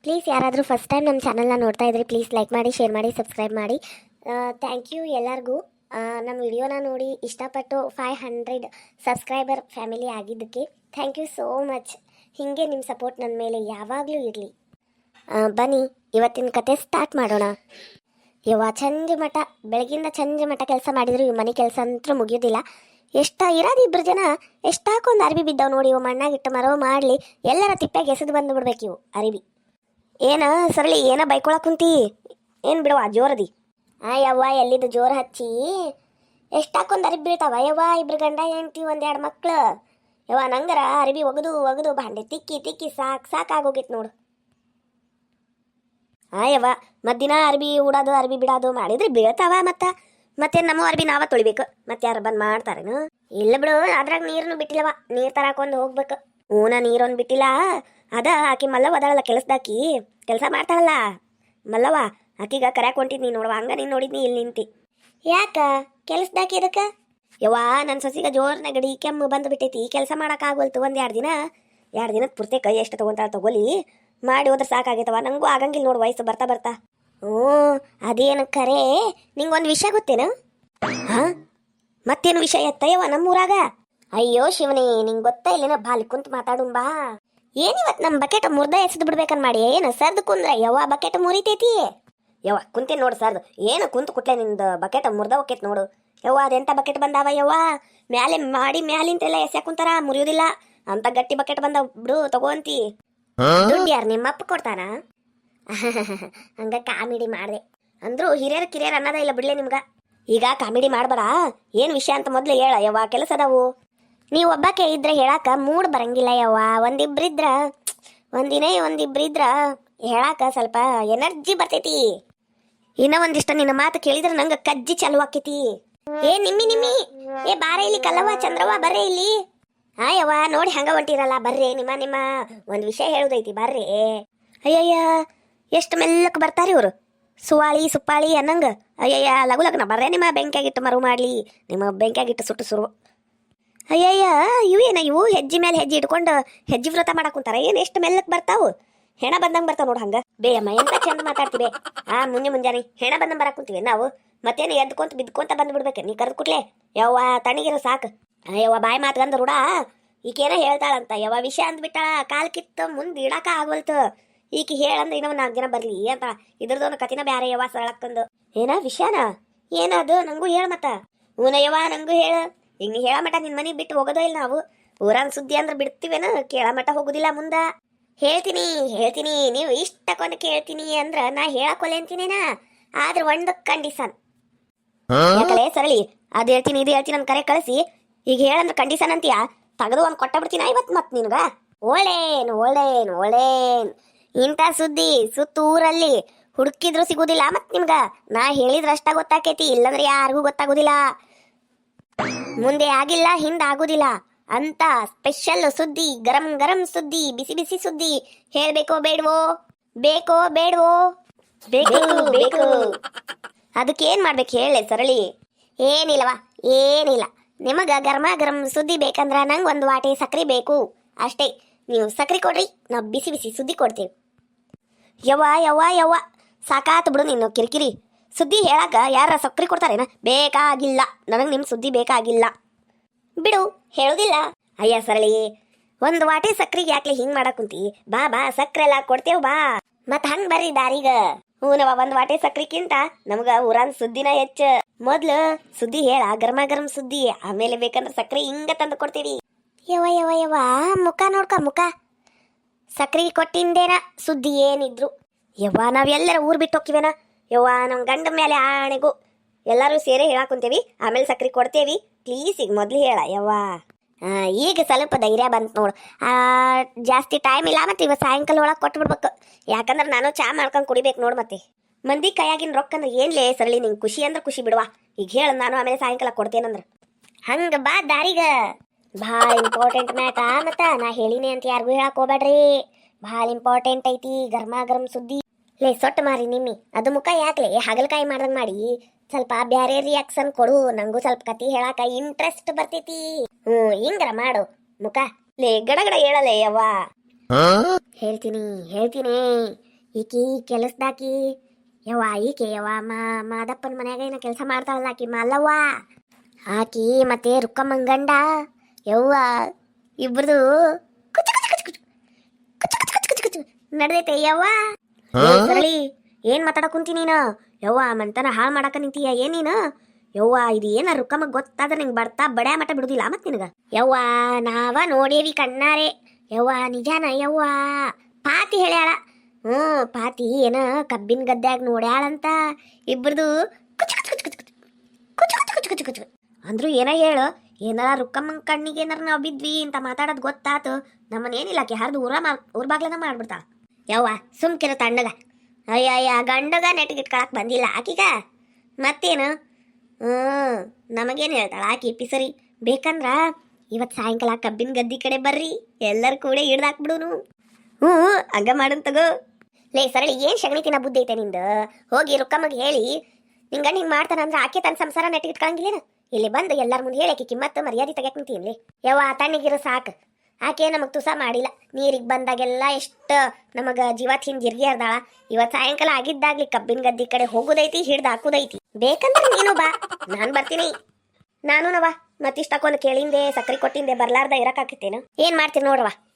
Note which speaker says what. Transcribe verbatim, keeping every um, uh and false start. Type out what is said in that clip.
Speaker 1: Please ಯಾರಾದರೂ first time ನಮ್ಮ ಚಾನಲ್ನ ನೋಡ್ತಾ ಇದ್ರಿ ಪ್ಲೀಸ್ ಲೈಕ್ ಮಾಡಿ ಶೇರ್ ಮಾಡಿ ಸಬ್ಸ್ಕ್ರೈಬ್ ಮಾಡಿ. ಥ್ಯಾಂಕ್ ಯು ಎಲ್ಲರಿಗೂ. ನಮ್ಮ ವಿಡಿಯೋನ ನೋಡಿ ಇಷ್ಟಪಟ್ಟು ಫೈವ್ ಹಂಡ್ರೆಡ್ ಸಬ್ಸ್ಕ್ರೈಬರ್ ಫ್ಯಾಮಿಲಿ ಆಗಿದ್ದಕ್ಕೆ ಥ್ಯಾಂಕ್ ಯು ಸೋ ಮಚ್. ಹೀಗೆ ನಿಮ್ಮ ಸಪೋರ್ಟ್ ನನ್ನ ಮೇಲೆ ಯಾವಾಗಲೂ ಇರಲಿ. ಬನ್ನಿ ಇವತ್ತಿನ ಕತೆ ಸ್ಟಾರ್ಟ್ ಮಾಡೋಣ. ಯವ್ವ ಚಂದ ಮಠ ಬೆಳಗಿಂದ ಚಂದ ಮಠ ಕೆಲಸ ಮಾಡಿದ್ರು ಈ ಮನೆ ಕೆಲಸ ಅಂತೂ ಮುಗಿಯೋದಿಲ್ಲ. ಎಷ್ಟ ಇರೋದು ಇಬ್ಬರು ಜನ ಎಷ್ಟಾಕೊಂದು ಅರಿವಿ ಬಿದ್ದಾವೆ ನೋಡಿ. ಇವು ಮಣ್ಣಾಗಿಟ್ಟು ಮರವು ಮಾಡಲಿ ಎಲ್ಲರ ತಿಪ್ಪಾಗಿ ಎಸೆದು ಬಂದು ಬಿಡ್ಬೇಕು ಇವು ಅರಿವಿ. ಏನ ಸರಳಿ ಏನ ಬೈಕೊಳಕ್ ಕುಂತಿ ಏನು ಬಿಡವ ಜೋರದಿ. ಆ ಯವ್ವ ಎಲ್ಲಿದ್ದು ಜೋರು ಹಚ್ಚಿ ಎಷ್ಟಾಕೊಂದು ಅರಿವಿ ಬೀಳ್ತಾವ ಯವ್ವ. ಇಬ್ರು ಗಂಡ ಹೆಂಡ್ತಿ ಒಂದೆರಡು ಮಕ್ಳು ಯವ್ವ. ನಂಗರ ಅರಿವಿ ಒಗದು ಒಗದು ಭಾಂಡೆ ತಿಕ್ಕಿ ತಿಕ್ಕಿ ಸಾಕು ಸಾಕಾಗೋಗಿತ್ತು ನೋಡು. ಆ ಯವ್ವ ಮದ್ದಿನ ಅರ್ಬಿ ಉಡೋದು ಅರ್ಬಿ ಬಿಡೋದು ಮಾಡಿದ್ರೆ ಬೀಳ್ತಾವ. ಮತ್ತ ಮತ್ತೆ ನಮ್ಮ ಅರ್ಬಿ ನಾವ ತೊಳಿಬೇಕು ಮತ್ತೆ ಯಾರು ಬಂದು ಮಾಡ್ತಾರೇನು? ಇಲ್ಲ ಬಿಡು, ಅದ್ರಾಗ ನೀರನ್ನು ಬಿಟ್ಟಿಲ್ಲವ. ನೀರು ತರಾಕೊಂದು ಹೋಗ್ಬೇಕು. ಊನ ನೀರೊಂದು ಬಿಟ್ಟಿಲ್ಲ. ಅದ ಆಕಿ ಮಲ್ಲವ್ವ ಅದಳಲ್ಲ ಕೆಲಸದಾಕಿ ಕೆಲಸ ಮಾಡ್ತಾಳಲ್ಲ ಮಲ್ಲವ್ವ, ಆಕಿಗ ಕರ್ಯಾಕ್ ಹೊಂಟಿದ್ನಿ ನೋಡುವ. ಹಂಗ ನೀನು ನೋಡಿದ್ನಿ ಇಲ್ಲಿ ನಿಂತಿ. ಯಾಕ ಕೆಲಸದಾಕಿ ಇದಕ್ಕೆ ಯವ್ವ? ನನ್ನ ಸೊಸಿಗ ಜೋರ್ ನೆಗಡಿ ಕೆಮ್ಮು ಬಂದು ಬಿಟ್ಟೈತಿ. ಕೆಲಸ ಮಾಡೋಕ್ಕಾಗೋಲ್ತು. ಒಂದು ಎರಡು ದಿನ ಎರಡು ದಿನದ ಪೂರ್ತಿ ಕೈ ಎಷ್ಟು ತೊಗೊಂತಾಳ ತಗೋಲಿ, ಮಾಡಿ ಹೋದ್ರೆ ಸಾಕಾಗೈತವ. ನನಗೂ ಆಗಂಗಿಲ್ಲ ನೋಡು ವಯಸ್ಸು ಬರ್ತಾ ಬರ್ತಾ. ಹ್ಞೂ ಅದೇನು ಕರೆ. ನಿಂಗೊಂದು ವಿಷಯ ಗೊತ್ತೇನು? ಹಾಂ ಮತ್ತೇನು ವಿಷಯ ಎತ್ತಯ್ಯವ ನಮ್ಮೂರಾಗ? ಅಯ್ಯೋ ಶಿವನೇ, ನಿಂಗೆ ಗೊತ್ತಾ ಇಲ್ಲೇನ ಬಾಲಿ ಕುಂತು ಮಾತಾಡುಂಬಾ. ಏನಿವತ್ತು ನಮ್ಮ ಬಕೆಟ್ ಮುರ್ದ ಎಸೆದು ಬಿಡ್ಬೇಕನ್ ಮಾಡಿ ಏನು ಸರ್ದು ಕುಂದ್ರೆ ಯವ್ವ ಬಕೆಟ್ ಮುರಿತೈತಿ. ಯವ್ವ ಕುಂತೇನು ನೋಡು ಸರ್ದು. ಏನು ಕುಂತು ಕುಟ್ಲೆ ನಿಂದು ಬಕೆಟ್ ಮುರ್ದ ಹೋಕೈತಿ ನೋಡು ಯವ್ವ. ಅದೆಂಥ ಬಕೆಟ್ ಬಂದಾವ ಯವ್ವ. ಮ್ಯಾಲೆ ಮಾಡಿ ಮ್ಯಾಲಿಂತೆಲ್ಲ ಎಸೆ ಕುಂತಾರ, ಮುರಿಯೋದಿಲ್ಲ ಅಂತ ಗಟ್ಟಿ ಬಕೆಟ್ ಬಂದ ಬಿಡು ತಗೋಂತಿ. ದುಡ್ಡು ಯಾರು ನಿಮ್ಮಪ್ಪ ಕೊಡ್ತಾನ? ಹಂಗ ಕಾಮಿಡಿ ಮಾಡಿದೆ ಅಂದ್ರು ಹಿರಿಯರ ಕಿರಿಯರ್ ಅನ್ನೋದ ಇಲ್ಲ ಬಿಡ್ಲೆ ನಿಮ್ಗ. ಈಗ ಕಾಮಿಡಿ ಮಾಡ್ಬೇಡ. ಏನು ವಿಷಯ ಅಂತ ಮೊದ್ಲು ಹೇಳ ಯವ್ವ. ಕೆಲಸ ಅದಾವು. ನೀವು ಒಬ್ಬಾಕೆ ಇದ್ರೆ ಹೇಳಾಕ ಮೂಡ್ ಬರಂಗಿಲ್ಲ ಯವ್ವ. ಒಂದಿಬ್ರಿದ್ರ ಒಂದಿನೇ ಒಂದಿಬ್ರಿದ್ರ ಹೇಳಾಕ ಸ್ವಲ್ಪ ಎನರ್ಜಿ ಬರ್ತೈತಿ. ಇನ್ನ ಒಂದಿಷ್ಟ ನಿನ್ನ ಮಾತು ಕೇಳಿದ್ರೆ ನಂಗೆ ಕಜ್ಜಿ ಚಾಲು ಆಕೈತಿ. ಏ ನಿಮ್ಮಿ ನಿಮ್ಮಿ ಏ ಬಾರ ಇಲ್ಲಿ ಕಲ್ಲವ್ವ ಚಂದ್ರವ್ವ ಬರ್ರೆ ಇಲ್ಲಿ. ಹಾ ಯವ್ವ ನೋಡಿ ಹಂಗ ಹೊಂಟಿರಲ್ಲ ಬರ್ರಿ. ನಿಮ್ಮ ನಿಮ್ಮ ಒಂದು ವಿಷಯ ಹೇಳುದೈತಿ ಬರ್ರಿ. ಅಯ್ಯಯ್ಯ ಎಷ್ಟು ಮೆಲ್ಲಕ್ಕೆ ಬರ್ತಾರಿ ಇವರು. ಸುವಾಳಿ ಸುಪ್ಪಾಳಿ ಅನ್ನಂಗ. ಅಯ್ಯಯ್ಯ ಲಗು ಲಗ್ನ ಬರ್ರೆ. ನಿಮ್ಮ ಬೆಂಕಿಯಾಗಿಟ್ಟು ಮರು ಮಾಡ್ಲಿ. ನಿಮ್ಮ ಬೆಂಕಿಯಾಗಿಟ್ಟು ಸುಟ್ಟು ಸುರು. ಅಯ್ಯಯ್ಯ ಇವು ಏನ ಇವು ಹೆಜ್ಜೆ ಮೇಲೆ ಹೆಜ್ಜೆ ಇಟ್ಕೊಂಡು ಹೆಜ್ಜೆ ವ್ರತ ಮಾಡಕ್ ಕುಂತಾರ. ಏನು ಎಷ್ಟು ಮೆಲ್ಲಕ್ಕೆ ಬರ್ತಾವು. ಹೆಣ ಬಂದಂಗೆ ಬರ್ತಾವ ನೋಡು ಹಂಗ. ಬೇಯಮ್ಮ ಎಂತ ಚಂದ ಮಾತಾಡ್ತೀವಿ. ಆ ಮುಂಜೆ ಮುಂಜಾನೆ ಹೆಣ ಬಂದಂಗೆ ಬರಕ್ ಕುಂತೀವಿ ನಾವು. ಮತ್ತೇನು ಎದ್ಕೊಂತ ಬಿದ್ಕೊಂತ ಬಂದು ಬಿಡ್ಬೇಕು ನೀ ಕರೆದು ಕುಟ್ಲೆ ಯವ್ವ. ತಣಿಗಿರೋ ಸಾಕು. ಯವ್ವ ಬಾಯಿ ಮಾತ್ಗಂದ ರೂಢ. ಈಕೇನ ಹೇಳ್ತಾಳಂತ ಯವ್ವ ವಿಷಯ ಅಂದ್ಬಿಟ್ಟಾಳ. ಕಾಲ್ ಕಿತ್ತ ಮುಂದೆ ಇಡಾಕ ಆಗೋಲ್ತು. ಈಕಿ ಹೇಳಂದ್ರೆ ಇನ್ನೊಂದು ನಾಲ್ಕು ಜನ ಬರ್ಲಿ ಅಂತ ಇದ್ರದೊಂದು ಕತಿನ ಬ್ಯಾರೆ ಯವ್ವ ಸರಳಕ್ಕಂದು. ಏನ ವಿಷಯನ ಏನದು ನಂಗೂ ಹೇಳ ಮತ್ತ. ಹೂನ ಯವ್ವ ನಂಗೂ ಹೇಳ. ಈಗ ನೀ ಹೇಳ ಮಟ ನಿನ್ ಮನೆಗೆ ಬಿಟ್ಟು ಹೋಗೋದೋ ಇಲ್ಲ ನಾವು. ಊರಾನ್ ಸುದ್ದಿ ಅಂದ್ರೆ ಬಿಡ್ತೀವೇನ? ಕೇಳ ಮಟ ಹೋಗುದಿಲ್ಲ ಮುಂದ. ಹೇಳ್ತೀನಿ ಹೇಳ್ತೀನಿ ನೀವು ಇಷ್ಟಕ್ಕೊಂದು ಕೇಳ್ತೀನಿ ಅಂದ್ರ ನಾ ಹೇಳಕೊಲೆ ಅಂತೀನೇನಾ. ಆದ್ರೆ ಒಂದು ಕಂಡೀಷನ್. ಯಾಕಲೆ ಸರಳಿ ಅದು ಹೇಳ್ತೀನಿ ಇದು ಹೇಳ್ತೀನಿ ನನ್ ಕರೆ ಕಳಿಸಿ ಈಗ ಹೇಳಂದ್ರೆ ಕಂಡೀಷನ್ ಅಂತೀಯ. ತೆಗೆದು ಒಂದು ಕೊಟ್ಟ ಬಿಡ್ತೀನಿ ಐವತ್ತು ಮತ್ ನಿನ್ಗ. ಒಳ್ಳೇನು ಒಳ್ಳೇನು ಒಳ್ಳೇನ್ ಇಂಥ ಸುದ್ದಿ ಸುತ್ತೂರಲ್ಲಿ ಹುಡುಕಿದ್ರು ಸಿಗುದಿಲ್ಲ ಮತ್ ನಿಮ್ಗ. ನಾ ಹೇಳಿದ್ರ ಅಷ್ಟ ಗೊತ್ತಾಕೈತಿ, ಇಲ್ಲಂದ್ರೆ ಯಾರಿಗೂ ಗೊತ್ತಾಗುದಿಲ್ಲ. ಮುಂದೆ ಆಗಿಲ್ಲ ಹಿಂದ ಆಗುದಿಲ್ಲ ಅಂತ ಸ್ಪೆಷಲ್ ಸುದ್ದಿ, ಗರಂ ಗರಂ ಸುದ್ದಿ, ಬಿಸಿ ಬಿಸಿ ಸುದ್ದಿ ಹೇಳ್ಬೇಕೋ ಬೇಡವೋ? ಬೇಕೋ ಬೇಡವೋ? ಬೇಕು ಬೇಕು. ಅದಕ್ಕೆ ಏನ್ ಮಾಡ್ಬೇಕು ಹೇಳಿ ಸರಳಿ? ಏನಿಲ್ಲವಾ ಏನಿಲ್ಲ. ನಿಮಗ ಗರ್ಮ ಗರಂ ಸುದ್ದಿ ಬೇಕಂದ್ರ ನಂಗೆ ಒಂದು ವಾಟೆ ಸಕ್ರಿ ಬೇಕು ಅಷ್ಟೇ. ನೀವು ಸಕ್ರಿ ಕೊಡ್ರಿ, ನಾವು ಬಿಸಿ ಬಿಸಿ ಸುದ್ದಿ ಕೊಡ್ತೀವಿ. ಯವ್ವ ಯವ್ವ ಯವ್ವ ಸಾಕಾತು ಬಿಡು ನಿನ್ನ ಕಿರಿಕಿರಿ. ಸುದ್ದಿ ಹೇಳಾಕ ಯಾರ ಸಕ್ರಿ ಕೊಡ್ತಾರೇನ? ಬೇಕಾಗಿಲ್ಲ ನನಗೆ ನಿಮ್ಮ ಸುದ್ದಿ ಬೇಕಾಗಿಲ್ಲ ಬಿಡು. ಹೇಳುದಿಲ್ಲ. ಅಯ್ಯ ಸರಳಿ ಒಂದು ವಾಟೆ ಸಕ್ರಿಗೆ ಯಾಕ್ಲೆ ಹಿಂಗ್ ಮಾಡಕ್ ಕುಂತಿ? ಬಾ ಬಾ ಸಕ್ರೆ ಎಲ್ಲ ಕೊಡ್ತೇವ್ ಬಾ. ಮತ್ ಹಂಗ್ ಬರ್ರಿ ದಾರಿಗ. ಹೂನವ ಒಂದ್ ವಾಟೆ ಸಕ್ರಿಕ್ಕಿಂತ ನಮ್ಗ ಊರಾನ್ ಸುದ್ದಿನ ಹೆಚ್ಚ. ಮೊದ್ಲು ಸುದ್ದಿ ಹೇಳ ಗರ್ಮ ಗರಂ ಸುದ್ದಿ, ಆಮೇಲೆ ಬೇಕಂದ್ರೆ ಸಕ್ರೆ ಹಿಂಗ ತಂದು ಕೊಡ್ತೀವಿ. ಯವ ಯವ ಯವ ಮುಖ ನೋಡ್ಕ ಮುಖ. ಸಕ್ರಿ ಕೊಟ್ಟಿಂದೇನ ಸುದ್ದಿ ಏನಿದ್ರು ಯವ್ವ ನಾವ್ ಎಲ್ಲರ ಊರ್ ಬಿಟ್ಟು ಹೋಗಿವೇನ ಯವ್ವ. ನಮ್ ಗಂಡ ಮೇಲೆ ಆಣೆಗೂ ಎಲ್ಲರೂ ಸೇರಿ ಹೇಳಾಕ್ ಕುಂತೇವಿ, ಆಮೇಲೆ ಸಕ್ರಿ ಕೊಡ್ತೇವಿ. ಪ್ಲೀಸ್ ಈಗ ಮೊದ್ಲು ಹೇಳ ಯವ್ವ. ಈಗ ಸ್ವಲ್ಪ ಧೈರ್ಯ ಬಂತು ನೋಡು. ಜಾಸ್ತಿ ಟೈಮ್ ಇಲ್ಲ ಮತ್ತೆ ಇವ ಸಾಯಂಕಾಲ ಒಳಗೆ ಕೊಟ್ಟು ಬಿಡ್ಬೇಕು. ಯಾಕಂದ್ರೆ ನಾನು ಚಾ ಮಾಡ್ಕೊಂಡು ಕುಡಿಬೇಕು ನೋಡು. ಮತ್ತೆ ಮಂದಿ ಕೈಯಾಗಿನ ರೊಕ್ಕ ಅಂದ್ರೆ ಏನ್ಲೇ ಸರಳಿ ನಿಂಗೆ ಖುಷಿ ಅಂದ್ರೆ ಖುಷಿ ಬಿಡುವ. ಈಗ ಹೇಳ ನಾನು ಆಮೇಲೆ ಸಾಯಂಕಾಲ ಕೊಡ್ತೇನಂದ್ರೆ ಹಂಗ ಬಾ ದಾರಿಗ. ಭಾಳ ಇಂಪಾರ್ಟೆಂಟ್ ಮ್ಯಾಟ ಮತ್ತ ನಾ ಹೇಳಿನಿ ಅಂತ ಯಾರಿಗೂ ಹೇಳಕ್ ಹೋಗ್ಬೇಡ್ರಿ. ಭಾಳ ಇಂಪಾರ್ಟೆಂಟ್ ಐತಿ ಗರ್ಮ ಗರಂ ಸುದ್ದಿ. ಲೇ ಸೊಟ್ಟು ಮಾರಿ ನಿಮ್ಮಿ ಅದು ಮುಖ ಯಾಕ್ಲೆ ಹಾಗಲಕಾಯಿ ಮಾಡ್ದಂಗೆ ಮಾಡಿ ಸ್ವಲ್ಪ ಬ್ಯಾರೆ ರಿಯಾಕ್ಷನ್ ಕೊಡು. ನಂಗೂ ಸ್ವಲ್ಪ ಕತಿ ಹೇಳಾಕ ಇಂಟ್ರೆಸ್ಟ್ ಬರ್ತೈತಿ. ಹ್ಮ್ ಹಿಂಗ್ರ ಮಾಡು ಮುಖ. ಲೇ ಗಡಗಡ ಹೇಳಲೇ ಯವ್ವ. ಹೇಳ್ತೀನಿ ಹೇಳ್ತೀನಿ ಈಕಿ ಕೆಲಸದಾಕಿ ಯವ್ವ ಈಕೆ ಯವ್ವ ಮಾ ಮಾದಪ್ಪನ ಮನ್ಯಾಗ ಏನೋ ಕೆಲಸ ಮಾಡ್ತಾಳಲ್ಲ ಆಕಿ ಮಲ್ಲವ್ವ ಆಕಿ ಮತ್ತೆ ರುಕ್ಕಮ್ಮನ್ ಗಂಡ ಯವ್ವ ಇಬ್ರದು ಕುಚು ಕುಚು ಕುಚು ಕುಚು ಕುಚು ಕುಚು ಕುಚು ಕುಚು ನಡ್ದೈತೆ ಯವ್ವ ಏ ಸರಳಿ ಏನ್ ಮಾತಾಡಕ್ ಕುಂತಿ ನೀನು ಯವ್ವ ಮಂತನ ಹಾಳು ಮಾಡಾಕ ನಿಂತೀಯ ಏನ್ ನೀನು ಯವ್ವ ಇದು ಏನ ರುಕ್ಕಮ್ಮಗ್ ಗೊತ್ತಾದ್ರೆ ನಿಂಗೆ ಬರ್ತಾ ಬಡ್ಯಾ ಮಠ ಬಿಡುದಿಲ್ಲ ಮತ್ ನಿನಗ ಯವ್ವ ನಾವ ನೋಡೇವಿ ಕಣ್ಣಾರೆ ಯವ್ವ ನಿಜಾನ ಯವ್ವ ಪಾತಿ ಹೇಳ್ಯಾಳ ಹ್ಞೂ ಪಾತಿ ಏನ ಕಬ್ಬಿನ ಗದ್ದ್ಯಾಗ ನೋಡ್ಯಾಳಂತ ಇಬ್ರದು ಕುಚು ಕುಚು ಕುಚು ಕುಚು ಕುಚು ಕುಚು ಕುಚು ಕುಚು ಕುಚು ಅಂದ್ರು ಏನ ಹೇಳು ಏನಾರ ರುಕ್ಕಮ್ಮನ ಕಣ್ಣಿಗೆ ಏನಾರ ನಾವು ಬಿದ್ವಿ ಅಂತ ಮಾತಾಡೋದು ಗೊತ್ತಾತು ನಮ್ಮನೇನಿಲ್ಲ ಆಕೆ ಹರಿದು ಊರ ಮಾ ಊರ್ ಬಾಗ್ಲನ ಮಾಡ್ಬಿಡ್ತಾಳ ಯವ್ವ ಸುಮ್ಕಿರ ತಣ್ಣಗ ಅಯ್ಯಯ್ಯ ಗಂಡಗ ನೆಟ್ಗಿಟ್ಕೊಳಕ್ ಬಂದಿಲ್ಲ ಆಕಿಗ ಮತ್ತೇನು ಹ್ಞೂ ನಮಗೇನು ಹೇಳ್ತಾಳ ಆಕಿ ಪಿಸರಿ ಬೇಕಂದ್ರ ಇವತ್ತು ಸಾಯಂಕಾಲ ಕಬ್ಬಿನ ಗದ್ದಿ ಕಡೆ ಬರ್ರಿ ಎಲ್ಲರೂ ಕೂಡ ಹಿಡ್ದಾಕ್ಬಿಡುನು ಹ್ಞೂ ಹಂಗ ಮಾಡನ್ ತಗೋ ಲೇ ಸರಳಿ ಏನು ಶಗಣಿ ತಿನ್ನ ಬುದ್ಧಿ ಐತೆ ನಿಂದು ಹೋಗಿ ರುಕ್ಕಮ್ಮಗೆ ಹೇಳಿ ನಿಂಗ ಹಿಂಗೆ ಮಾಡ್ತಾನಂದ್ರೆ ಆಕೆ ತನ್ನ ಸಂಸಾರ ನೆಟ್ಟಿಗಿಟ್ಕೊಳಂಗಿಲ್ಲೇನು ಇಲ್ಲಿ ಬಂದು ಎಲ್ಲರ ಮುಂದೆ ಹೇಳಿ ಆಕೆ ಕಿಮ್ಮತ್ತು ಮರ್ಯಾದೆ ತೆಗಿಯಕ್ ನಿಂತೀನಿ ಯವ್ವ ತಣ್ಣಗಿರು ಸಾಕು ಆಕೆ ನಮಗೆ ತುಸ ಮಾಡಿಲ್ಲ ನೀರಿಗೆ ಬಂದಾಗೆಲ್ಲ ಎಷ್ಟು ನಮಗೆ ಜೀವ ತಿಂದು ಜಿರ್ಗಿ ಹರ್ದಾಳ ಇವತ್ತು ಸಾಯಂಕಾಲ ಆಗಿದ್ದಾಗ್ಲಿ ಕಬ್ಬಿನ ಗದ್ದಿ ಕಡೆ ಹೋಗೋದೈತಿ ಹಿಡ್ದು ಹಾಕೋದೈತಿ ಬೇಕಂದ್ರೆ ನೀನು ಬಾ ನಾನು ಬರ್ತೀನಿ ನಾನು ನವ ಮತ್ತಿಷ್ಟಕ್ಕೊಂದು ಕೇಳಿಂದೆ ಸಕ್ರೆ ಕೊಟ್ಟಿಂದೆ ಬರ್ಲಾರ್ದ ಇರಕ್ಕಾಕಿತ್ತೇನು ಏನ್ ಮಾಡ್ತೀನಿ ನೋಡ್ರವ